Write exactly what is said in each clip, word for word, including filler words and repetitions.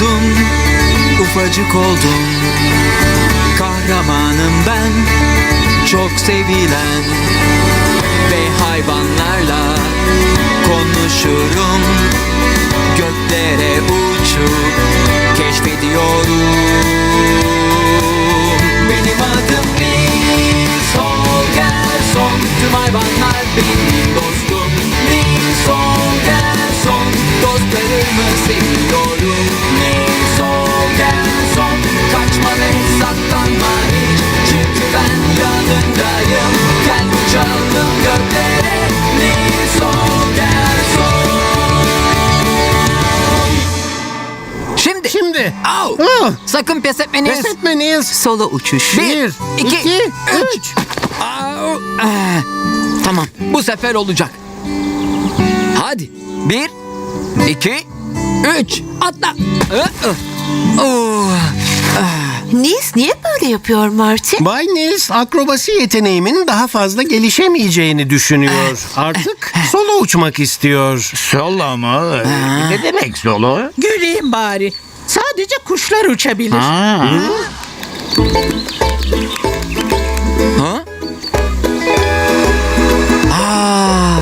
doğdum, ufacık oldum. Kahramanım ben, çok sevilen. Ve hayvanlarla konuşurum. Göklere uçup keşfediyorum. Benim adım Nils Holgersson. Tüm hayvanlar benim dostum. Nils Holgersson. Dostlarımı seviyorum. Nils Holgersson. Kaçma ve saklanma hiç. Çünkü ben yanındayım. Gel uçalım göklere. Nils Holgersson. Şimdi. Şimdi. Au. Ah, Sakın pes etme Nils. pes etme Nils. Solo uçuş. Bir, iki, iki, üç. üç. Au. Ah, Tamam, bu sefer olacak. Hadi. Bir, iki, üç. Atla. Ah, ah. Oh. Nils niye böyle yapıyor Martin? Bay Nils akrobasi yeteneğimin daha fazla gelişemeyeceğini düşünüyor. Artık solo uçmak istiyor. Solo mu? Ne demek solo? Güleyim bari. Sadece kuşlar uçabilir. Ha. Ha? Aa.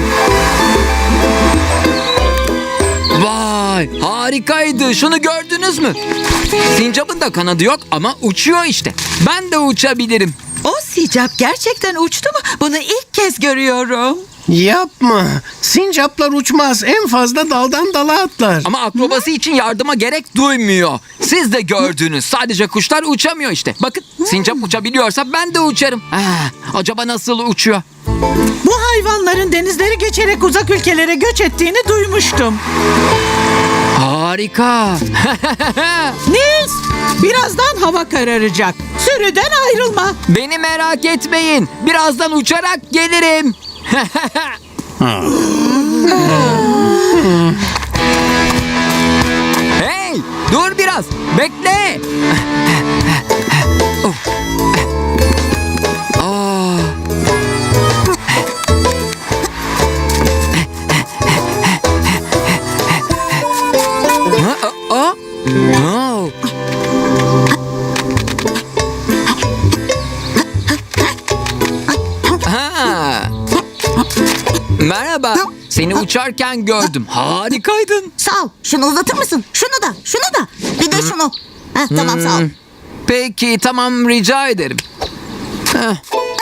Vay, harikaydı. Şunu gördünüz mü? Sincap'ın da kanadı yok ama uçuyor işte. Ben de uçabilirim. O sincap gerçekten uçtu mu? Bunu ilk kez görüyorum. Yapma. Sincaplar uçmaz. En fazla daldan dala atlar. Ama akrobasi için yardıma gerek duymuyor. Siz de gördünüz. Sadece kuşlar uçamıyor işte. Bakın, sincap uçabiliyorsa ben de uçarım. Ah, acaba nasıl uçuyor? Bu hayvanların denizleri geçerek uzak ülkelere göç ettiğini duymuştum. Harika. Nils, birazdan hava kararacak. Sürüden ayrılma. Beni merak etmeyin. Birazdan uçarak gelirim. Hey, dur biraz. Bekle. Of. Aa. Ha, aa, aa. Oh. Ha. Merhaba. Seni uçarken gördüm. Harikaydın. Sağ ol. Şunu uzatır mısın? Şunu da, şunu da. Bir de şunu. Heh, tamam sağ ol. Peki, tamam, rica ederim. Heh.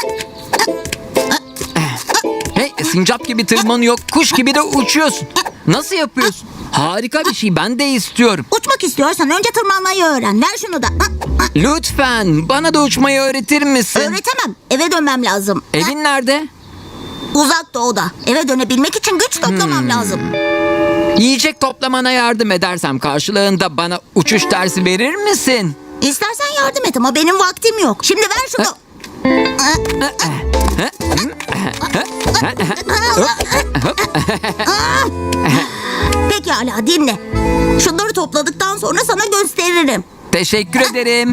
Hey, sincap gibi tırmanıyor, kuş gibi de uçuyorsun. Nasıl yapıyorsun? Harika bir şey, ben de istiyorum. Uçmak istiyorsan önce tırmanmayı öğren. Ver şunu da. Lütfen bana da uçmayı öğretir misin? Öğretemem. Eve dönmem lazım. Evin nerede? Uzak doğuda. Eve dönebilmek için güç toplamam lazım. Yiyecek toplamana yardım edersem karşılığında bana uçuş dersi verir misin? İstersen yardım et ama benim vaktim yok. Şimdi ver şunu. Pekala dinle. Şunları topladıktan sonra sana gösteririm. Teşekkür ederim.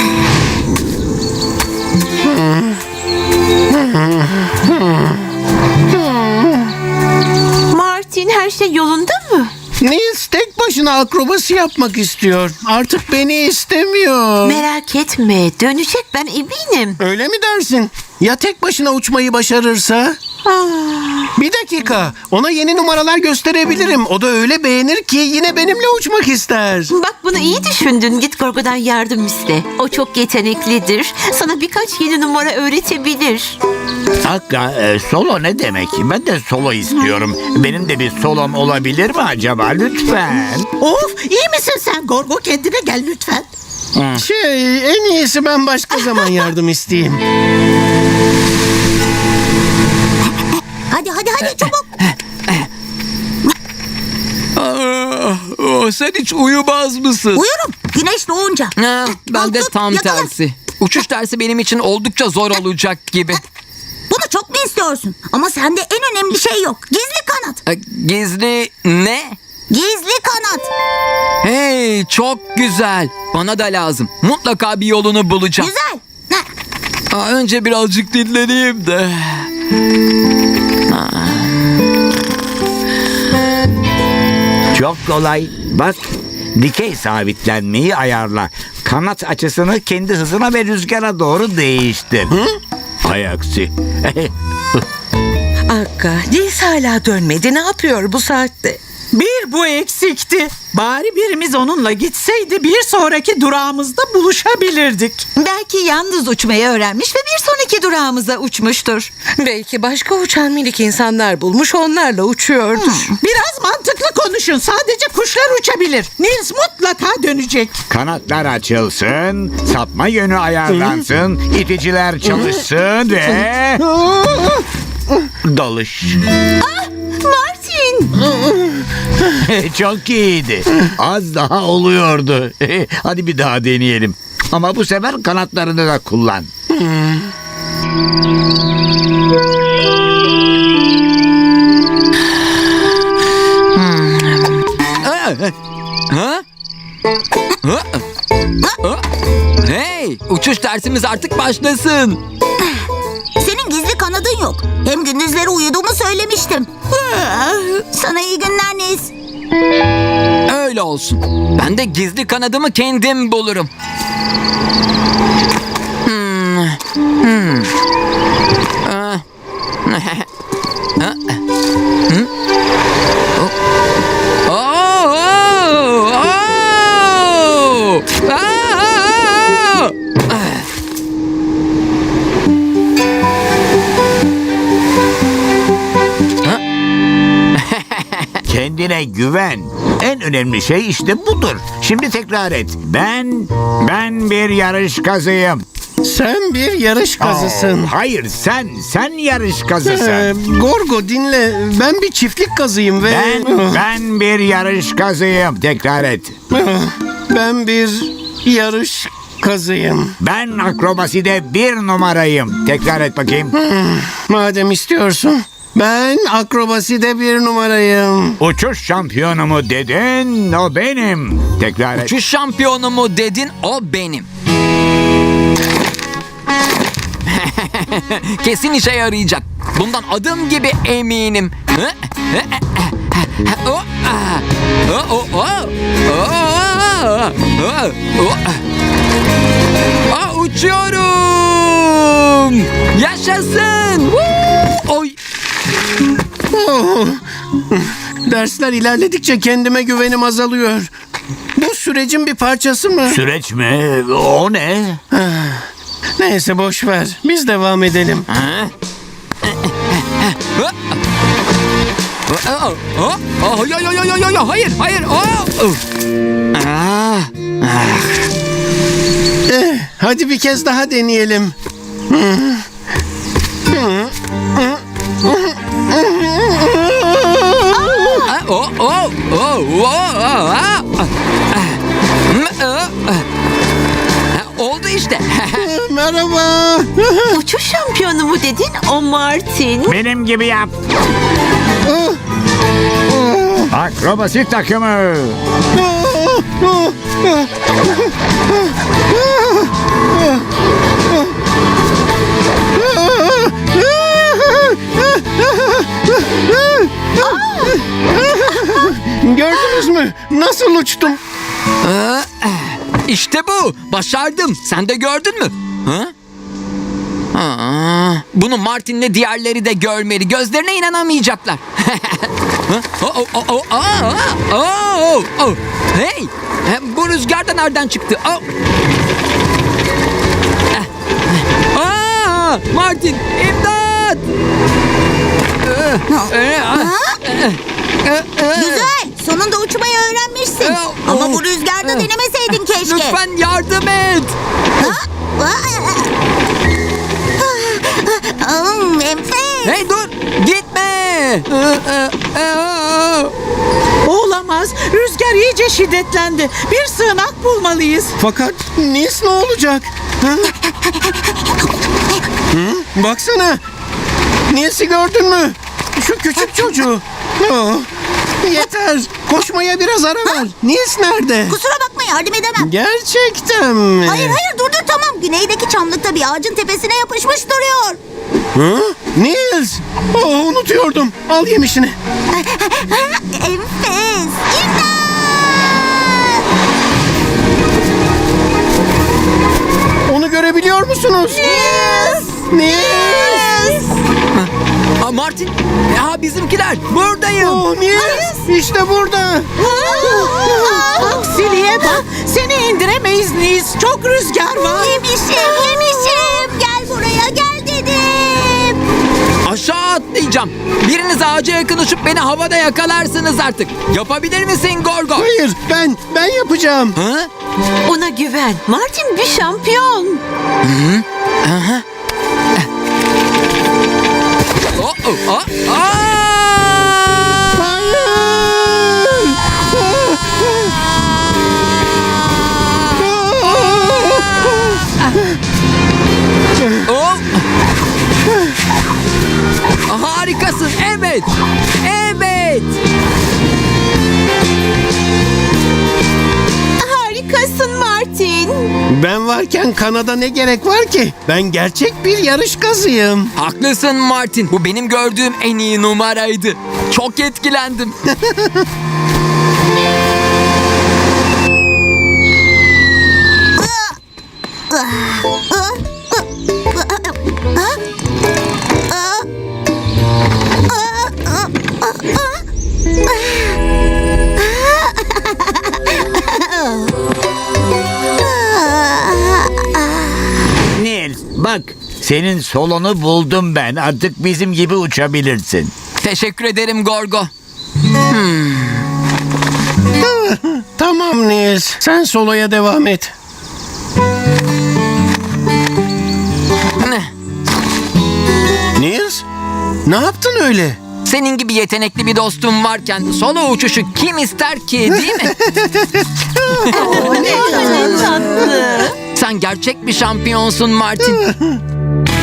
Martin her şey yolunda mı? Nils tek başına akrobasi yapmak istiyor. Artık beni istemiyor. Merak etme, dönecek, ben eminim. Öyle mi dersin? Ya tek başına uçmayı başarırsa? Bir dakika. Ona yeni numaralar gösterebilirim. O da öyle beğenir ki yine benimle uçmak ister. Bak, bunu iyi düşündün. Git Gorgo'dan yardım iste. O çok yeteneklidir. Sana birkaç yeni numara öğretebilir. Hakka, e, solo ne demek? Ben de solo istiyorum. Benim de bir solom olabilir mi acaba? Lütfen. Of, iyi misin sen Gorgo? Kendine gel lütfen. Şey, en iyisi ben başka zaman yardım isteyeyim. Hadi hadi hadi çabuk. Aa, oh, sen hiç uyumaz mısın? Uyurum. Güneş doğunca. Ha, ben de Tut, tam yakala. tersi. Uçuş dersi benim için oldukça zor olacak gibi. Bunu çok mu istiyorsun? Ama sende en önemli şey yok. Gizli kanat. Ha, Gizli ne? Gizli kanat. Hey, çok güzel. Bana da lazım. Mutlaka bir yolunu bulacağım. Güzel. Heh. Aa, önce birazcık dinleneyim de. Çok kolay. Bak, Dikey sabitlenmeyi ayarla. Kanat açısını kendi hızına ve rüzgara doğru değiştir. Hay aksi. Akka, Nils hala dönmedi. Ne yapıyor bu saatte? Bir bu eksikti. Bari birimiz onunla gitseydi bir sonraki durağımızda buluşabilirdik. Belki yalnız uçmayı öğrenmiş ve bir sonraki durağımıza uçmuştur. Belki başka uçan minik insanlar bulmuş, onlarla uçuyordur. Biraz mantıklı konuşun. Sadece kuşlar uçabilir. Nils mutlaka dönecek. Kanatlar açılsın, sapma yönü ayarlansın, iticiler çalışsın ve... Dalış. Martin! Çok iyiydi. Az daha oluyordu. Hadi bir daha deneyelim. Ama bu sefer kanatlarını da kullan. Ha? Ha? Ha? Hey, uçuş dersimiz artık başlasın. Senin gizli kanadın yok. Hem gündüzleri uyuduğumu söylemiştim. Sana iyi günler Nils. Öyle olsun. Ben de gizli kanadımı kendim bulurum. Hmm. Hmm. Ah. Ah. Hmm. Oh. Oh. Oh. Oh. Ah. Ah. Kendine güven. En önemli şey işte budur. Şimdi tekrar et. Ben, ben bir yarış kazıyım. Sen bir yarış kazısın. Oh, hayır sen, sen yarış kazısın. Ee, Gorgo dinle. Ben bir çiftlik kazıyım ve... Ben, ben bir yarış kazıyım. Tekrar et. Ben bir yarış kazıyım. Ben akrobaside bir numarayım. Tekrar et bakayım. Madem istiyorsun. Ben akrobaside bir numarayım. Uçuş şampiyonu mu dedin? O benim. Tekrar et. Uçuş şampiyonu mu dedin, o benim. Kesin işe yarayacak. Bundan adım gibi eminim. Oh, ah. Oh, oh, oh. Oh, ah. Oh, oh. Ah, uçuyorum. Yaşasın. Woo! Oy. Oh. Dersler ilerledikçe kendime güvenim azalıyor. Bu sürecin bir parçası mı? Süreç mi? O ne? Neyse boş ver. Biz devam edelim. Oh, oh, oh, yo, yo, yo, yo, yo, yo, hayır, hayır. Oh. Ah, ah. Eh, hadi bir kez daha deneyelim. Ah, oh, oh, oh, oh, ah, ah. Ah, ah, ah. Oldu işte. Merhaba. Uçuş şampiyonu mu dedin? O Martin. Benim gibi yap. Akrobasi takımı. Gördünüz mü? Nasıl uçtum? İşte bu. Başardım. Sen de gördün mü? Ha? Aa, bunu Martin'le diğerleri de görmeli. Gözlerine inanamayacaklar. oh, oh, oh, oh, aa, oh, oh. Hey, bu rüzgar da nereden çıktı? Oh. Aa, Martin, imdat! Güzel. Sonunda uçmayı öğrenmişsin. Ama bu rüzgarda denemeseydin keşke. Lütfen yardım et. Hmm, enfes. Hey dur, gitme. Olamaz. Rüzgar iyice şiddetlendi. Bir sığınak bulmalıyız. Fakat Nils ne olacak? Ha? Hı? Baksana. Nils'i gördün mü? Şu küçük çocuğu. Oh, yeter. Koşmaya biraz ara ver. Nils nerede? Kusura bakma yardım edemem. Gerçekten mi? Hayır hayır dur dur tamam. Güneydeki çamlıkta bir ağacın tepesine yapışmış duruyor. Hı? Nils. Oh, unutuyordum. Al yemişini. Enfes. İmdat! musunuz? Nils! Aa, Martin, ya bizimkiler buradayım. Oh, Nils! İşte burada. Aksiliğe bak. Seni indiremeyiz Nils. Çok rüzgar var. Yemişim, yemişim. Gel buraya, gel dedim. Aşağı atlayacağım. Biriniz ağaca yakın uçup beni havada yakalarsınız artık. Yapabilir misin Gorgo? Hayır, ben, ben yapacağım. Ha? Ona güven. Martin bir şampiyon. Oh, oh, oh, aa! Hayır! Oh! Harikasın. Evet. Evet. Harikasın Martin. Ben varken Kanada ne gerek var ki? Ben gerçek bir yarış kazıyım. Haklısın Martin. Bu benim gördüğüm en iyi numaraydı. Çok etkilendim. Nils bak senin solonu buldum ben. Artık bizim gibi uçabilirsin. Teşekkür ederim Gorgo. Tamam Nils, sen soloya devam et. Ne? Nils, ne yaptın öyle? Senin gibi yetenekli bir dostum varken solo uçuşu kim ister ki, değil mi? Ne tatlı. Sen gerçek bir şampiyonsun Martin.